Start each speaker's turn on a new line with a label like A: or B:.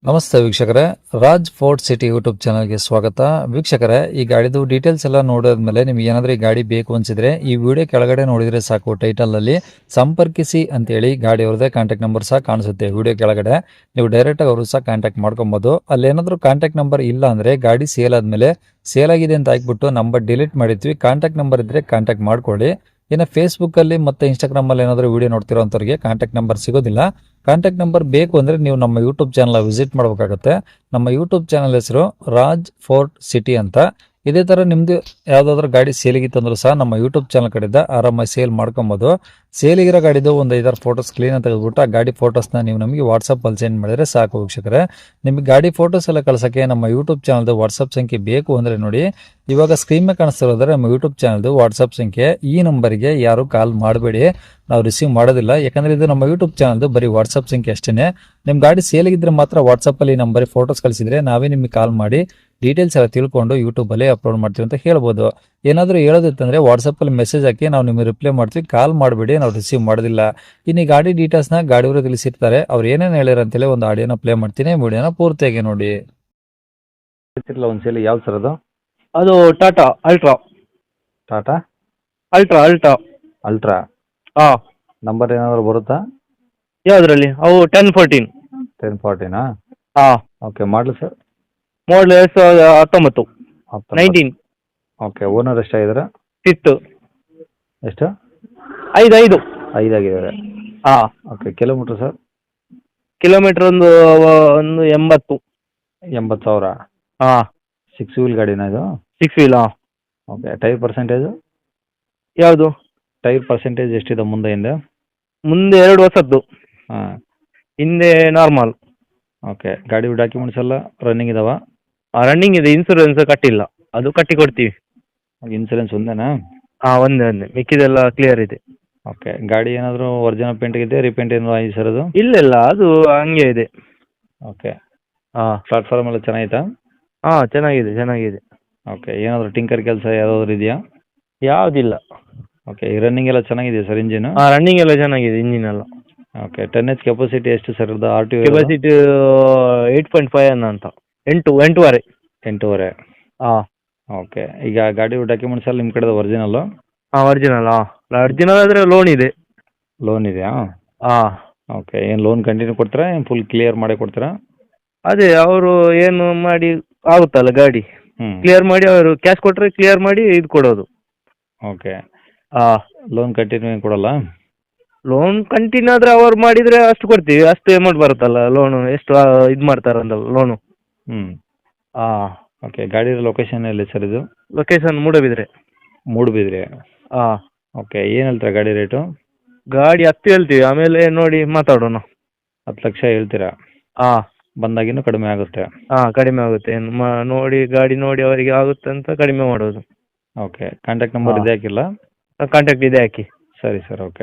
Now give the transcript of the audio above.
A: ನಮಸ್ತೆ ವೀಕ್ಷಕರೇ, Raj fort city YouTube ಚಾನಲ್ಗೆ ಸ್ವಾಗತ. ವೀಕ್ಷಕರೇ, ಈ ಗಾಡಿದು ಡೀಟೇಲ್ಸ್ ಎಲ್ಲ ನೋಡಿದ್ಮೇಲೆ ನಿಮ್ಗೆ ಏನಾದರೂ ಈ ಗಾಡಿ ಬೇಕು ಅನ್ಸಿದ್ರೆ ಈ ವಿಡಿಯೋ ಕೆಳಗಡೆ ನೋಡಿದ್ರೆ ಸಾಕು, ಟೈಟಲಲ್ಲಿ ಸಂಪರ್ಕಿಸಿ ಅಂತೇಳಿ ಗಾಡಿ ಅವ್ರದ್ದೇ ಕಾಂಟ್ಯಾಕ್ಟ್ ನಂಬರ್ ಸಹ ಕಾಣಿಸುತ್ತೆ. ವಿಡಿಯೋ ಕೆಳಗಡೆ ನೀವು ಡೈರೆಕ್ಟಾಗಿ ಅವರು ಸಹ ಕಾಂಟ್ಯಾಕ್ಟ್ ಮಾಡ್ಕೊಬೋದು. ಅಲ್ಲೇನಾದರೂ ಕಾಂಟ್ಯಾಕ್ಟ್ ನಂಬರ್ ಇಲ್ಲ ಅಂದರೆ ಗಾಡಿ ಸೇಲ್ ಆದಮೇಲೆ ಸೇಲ್ ಆಗಿದೆ ಅಂತ ಹಾಕ್ಬಿಟ್ಟು ನಂಬರ್ ಡಿಲೀಟ್ ಮಾಡಿರ್ತೀವಿ. ಕಾಂಟ್ಯಾಕ್ಟ್ ನಂಬರ್ ಇದ್ದರೆ ಕಾಂಟ್ಯಾಕ್ಟ್ ಮಾಡ್ಕೊಳ್ಳಿ. ಇನ್ನು ಫೇಸ್ಬುಕ್ಕಲ್ಲಿ ಮತ್ತು ಇನ್ಸ್ಟಾಗ್ರಾಮಲ್ಲಿ ಏನಾದರೂ ವಿಡಿಯೋ ನೋಡ್ತಿರೋ ಅಂಥವ್ರಿಗೆ ಕಾಂಟ್ಯಾಕ್ಟ್ ನಂಬರ್ ಸಿಗೋದಿಲ್ಲ. ಕಾಂಟ್ಯಾಕ್ಟ್ ನಂಬರ್ ಬೇಕು ಅಂದರೆ ನೀವು ನಮ್ಮ ಯೂಟ್ಯೂಬ್ ಚಾನಲ್ ವಿಸಿಟ್ ಮಾಡಬೇಕಾಗುತ್ತೆ. ನಮ್ಮ ಯೂಟ್ಯೂಬ್ ಚಾನಲ್ ಹೆಸರು ರಾಜ್ ಫೋರ್ಟ್ ಸಿಟಿ ಅಂತ. ಇದೇ ಥರ ನಿಮ್ಮದು ಯಾವುದಾದ್ರೂ ಗಾಡಿ ಸೇಲಿಗಿತ್ತಂದ್ರೂ ಸಹ ನಮ್ಮ ಯೂಟ್ಯೂಬ್ ಚಾನಲ್ ಕಡೆಯಿಂದ ಆರಾಮಾಗಿ ಸೇಲ್ ಮಾಡ್ಕೊಬೋದು. ಸೇಲಿಗಿರೋ ಗಾಡಿದು ಒಂದು 5-6 ಫೋಟೋಸ್ ಕ್ಲೀನಾಗಿ ತೆಗೆದುಬಿಟ್ಟು ಆ ಗಾಡಿ ಫೋಟೋಸ್ನ ನೀವು ನಮಗೆ ವಾಟ್ಸಪ್ಪಲ್ಲಿ ಸೆಂಡ್ ಮಾಡಿದರೆ ಸಾಕು ವೀಕ್ಷಕರೇ. ನಿಮಗೆ ಗಾಡಿ ಫೋಟೋಸ್ ಎಲ್ಲ ಕಳ್ಸೋಕ್ಕೆ ನಮ್ಮ ಯೂಟ್ಯೂಬ್ ಚಾನಲ್ದು ವಾಟ್ಸಪ್ ಸಂಖ್ಯೆ ಬೇಕು ಅಂದರೆ ನೋಡಿ, ಇವಾಗ ಸ್ಕ್ರೀನ್ ಮೇಲೆ ಕಾಣಿಸ್ತಿರೋದ್ರೆ ನಮ್ಮ ಯೂಟ್ಯೂಬ್ ಚಾನಲ್ದು ವಾಟ್ಸಪ್ ಸಂಖ್ಯೆ. ಈ ನಂಬರಿಗೆ ಯಾರು ಕಾಲ್ ಮಾಡಬೇಡಿ, ನಾವು ರಿಸೀವ್ ಮಾಡೋದಿಲ್ಲ. ಯಾಕಂದರೆ ಇದು ನಮ್ಮ ಯೂಟ್ಯೂಬ್ ಚಾನಲ್ದು ಬರೀ ವಾಟ್ಸಪ್ ಸಂಖ್ಯೆ ಅಷ್ಟೇ. ನಿಮ್ಮ ಗಾಡಿ ಸೇಲಿಗಿದ್ರೆ ಮಾತ್ರ ವಾಟ್ಸಪ್ಪಲ್ಲಿ ಈ ನಂಬರಿಗೆ ಫೋಟೋಸ್ ಕಳಿಸಿದರೆ ನಾವೇ ನಿಮಗೆ ಕಾಲ್ ಮಾಡಿ ಡೀಟೇಲ್ಸ್ ಎಲ್ಲ ತಿಳ್ಕೊಂಡು ಯೂಟ್ಯೂಬಲ್ಲಿ ಅಪ್ಲೋಡ್ ಮಾಡ್ತೀವಿ ಅಂತ ಹೇಳ್ಬೋದು. ಏನಾದರೂ ಹೇಳೋದಿತ್ತಂದರೆ ವಾಟ್ಸಪ್ಪಲ್ಲಿ ಮೆಸೇಜ್ ಹಾಕಿ ನಾವು ನಿಮಗೆ ರಿಪ್ಲೈ ಮಾಡ್ತೀವಿ, ಕಾಲ್ ಮಾಡಬೇಡಿ, ನಾವು ರಿಸೀವ್ ಮಾಡೋದಿಲ್ಲ. ಇನ್ನು ಈ ಗಾಡಿ ಡೀಟೇಲ್ಸ್ನ ಗಾಡಿಯವರು ತಿಳಿಸಿರ್ತಾರೆ, ಅವ್ರು ಏನೇನು ಹೇಳ್ಯಾರ ಅಂತೇಳಿ ಒಂದು ಆಡಿಯೋನ ಪ್ಲೇ ಮಾಡ್ತೀನಿ, ವಿಡಿಯೋನ ಪೂರ್ತಿಯಾಗಿ ನೋಡಿ. ಒಂದ್ಸಲ ಯಾವ್ದು ಸರ್ ಅದು?
B: ಅದು Tata ultra.
A: Tata
B: ultra ultra
A: ultra
B: ಹಾಂ.
A: ನಂಬರ್ ಏನಾದರೂ ಬರುತ್ತಾ?
B: ಯಾವುದ್ರಲ್ಲಿ? ಅವು 1014.
A: 1040ನಾ?
B: ಹಾಂ.
A: ಓಕೆ, ಮಾಡಲು ಸರ್?
B: ಮಾಡಲ್ 2019. 19
A: ಓಕೆ. ಓನರ್ ಎಷ್ಟಾಗಿದ್ದಾರೆ?
B: 5th.
A: ಎಷ್ಟು?
B: 5
A: 5
B: ಹಾಂ.
A: ಓಕೆ. Kilometre sir?
B: ಕಿಲೋಮೀಟ್ರ್ ಒಂದು 80.
A: 80,000.
B: ಹಾಂ.
A: 6 ವೀಲ್ ಗಾಡಿನ ಇದು?
B: 6 wheel. ಹಾಂ.
A: ಓಕೆ. Tyre percentage?
B: ಯಾವುದು?
A: ಟೈರ್ ಪರ್ಸೆಂಟೇಜ್ ಎಷ್ಟಿದೆ ಮುಂದೆ ಹಿಂದೆ?
B: ಮುಂದೆ 2 ಹೊಸದ್ದು,
A: ಹಾಂ.
B: ಹಿಂದೆ ನಾರ್ಮಲ್.
A: ಓಕೆ. ಗಾಡಿ ಡಾಕ್ಯುಮೆಂಟ್ಸ್ ಎಲ್ಲ ರನ್ನಿಂಗ್ ಇದಾವ?
B: ರನ್ನಿಂಗ್ ಇದೆ, ಇನ್ಸೂರೆನ್ಸ್ ಕಟ್ಟಿಲ್ಲ, ಅದು ಕಟ್ಟಿ ಕೊಡ್ತೀವಿ.
A: ಇನ್ಸೂರೆನ್ಸ್ ಒಂದೇನಾ?
B: ಹಾಂ, ಒಂದೇ ಮಿಕ್ಕಿದೆಲ್ಲ ಕ್ಲಿಯರ್ ಇದೆ.
A: ಓಕೆ. ಗಾಡಿ ಏನಾದರೂ ಒರಿಜಿನಲ್ ಪೇಂಟ್ ಇದೆ, ರೀಪೇಂಟ್ ಏನಾದರೂ ಆಗಿದೆ ಸರ್ ಅದು?
B: ಇಲ್ಲ ಅದು ಹಂಗೆ ಇದೆ.
A: ಓಕೆ.
B: ಹಾಂ.
A: ಪ್ಲಾಟ್ಫಾರ್ಮ್ ಎಲ್ಲ ಚೆನ್ನಾಗಿತ್ತಾ?
B: ಹಾಂ, ಚೆನ್ನಾಗಿದೆ.
A: ಓಕೆ. ಏನಾದರೂ ಟಿಂಕರ್ ಕೆಲಸ ಯಾವುದಾದ್ರು ಇದೆಯಾ?
B: ಯಾವುದಿಲ್ಲ.
A: ಓಕೆ. ಈ ರನ್ನಿಂಗ್ ಎಲ್ಲ ಚೆನ್ನಾಗಿದೆ ಸರ್ ಇಂಜಿನು?
B: ಹಾಂ, ರನ್ನಿಂಗ್ ಎಲ್ಲ ಚೆನ್ನಾಗಿದೆ, ಇಂಜಿನ್ ಎಲ್ಲ.
A: ಓಕೆ. 10H ಕೆಪಾಸಿಟಿ ಎಷ್ಟು ಸರ್ ಇದು? ಆರ್ ಟಿ
B: ಕೆಪಾಸಿಟಿ 8.5 ಅಂತ. 8.5.
A: 8.5.
B: ಹಾಂ.
A: ಓಕೆ. ಈಗ ಗಾಡಿ ಡಾಕ್ಯುಮೆಂಟ್ಸ್ ಎಲ್ಲ ನಿಮ್ಮ ಕಡೆದು ಒರಿಜಿನಲ್ಲು?
B: ಹಾಂ, ಒರಿಜಿನಲ್. ಹಾಂ, ಒರಿಜಿನಲ್ ಆದರೆ ಲೋನ್ ಇದೆ.
A: ಲೋನ್ ಇದೆಯಾ?
B: ಹಾಂ.
A: ಓಕೆ. ಏನು ಲೋನ್ ಕಂಟಿನ್ಯೂ ಕೊಡ್ತೀರಾ, ಏನು ಫುಲ್ ಕ್ಲಿಯರ್ ಮಾಡಿ ಕೊಡ್ತೀರಾ?
B: ಅದೇ ಅವರು ಏನು ಮಾಡಿ ಆಗುತ್ತಲ್ಲ ಗಾಡಿ
A: ಹ್ಞೂ.
B: ಕ್ಲಿಯರ್ ಮಾಡಿ, ಅವರು ಕ್ಯಾಶ್ ಕೊಟ್ಟರೆ ಕ್ಲಿಯರ್ ಮಾಡಿ ಇದು ಕೊಡೋದು.
A: ಓಕೆ.
B: ಹಾಂ.
A: ಲೋನ್ ಕಂಟಿನ್ಯೂ ಏನು ಕೊಡಲ್ಲ?
B: ಲೋನ್ ಕಂಟಿನ್ಯೂ ಆದರೆ ಅವ್ರು ಮಾಡಿದರೆ ಅಷ್ಟು ಕೊಡ್ತೀವಿ, ಅಷ್ಟು ಅಮೌಂಟ್ ಬರುತ್ತಲ್ಲ ಲೋನು, ಎಷ್ಟು ಇದು ಮಾಡ್ತಾರಂತಲ್ಲ ಲೋನು.
A: ಹ್ಞೂ.
B: ಹಾಂ.
A: ಓಕೆ. ಗಾಡಿ ಲೊಕೇಶನ್ ಎಲ್ಲಿ ಸರ್ ಇದು?
B: ಲೊಕೇಶನ್ ಮೂಡಬಿದ್ರೆ.
A: ಮೂಡುಬಿದ್ರೆ.
B: ಹಾಂ.
A: ಓಕೆ. ಏನು ಹೇಳ್ತೀರಾ ಗಾಡಿ ರೇಟು?
B: ಗಾಡಿ 10 ಹೇಳ್ತೀವಿ, ಆಮೇಲೆ ನೋಡಿ ಮಾತಾಡೋಣ.
A: 10 ಲಕ್ಷ ಹೇಳ್ತೀರಾ?
B: ಹಾಂ.
A: ಬಂದಾಗಿನ್ನೂ ಕಡಿಮೆ ಆಗುತ್ತೆ?
B: ಹಾಂ, ಕಡಿಮೆ ಆಗುತ್ತೆ. ನೋಡಿ ಗಾಡಿ ನೋಡಿ ಅವರಿಗೆ ಆಗುತ್ತೆ ಅಂತ ಕಡಿಮೆ ಮಾಡೋದು.
A: ಓಕೆ. ಕಾಂಟ್ಯಾಕ್ಟ್ ನಂಬರ್ ಇದೆ ಹಾಕಿಲ್ಲ?
B: ಕಾಂಟ್ಯಾಕ್ಟ್ ಇದೆ ಹಾಕಿ.
A: ಸರಿ ಸರ್. ಓಕೆ.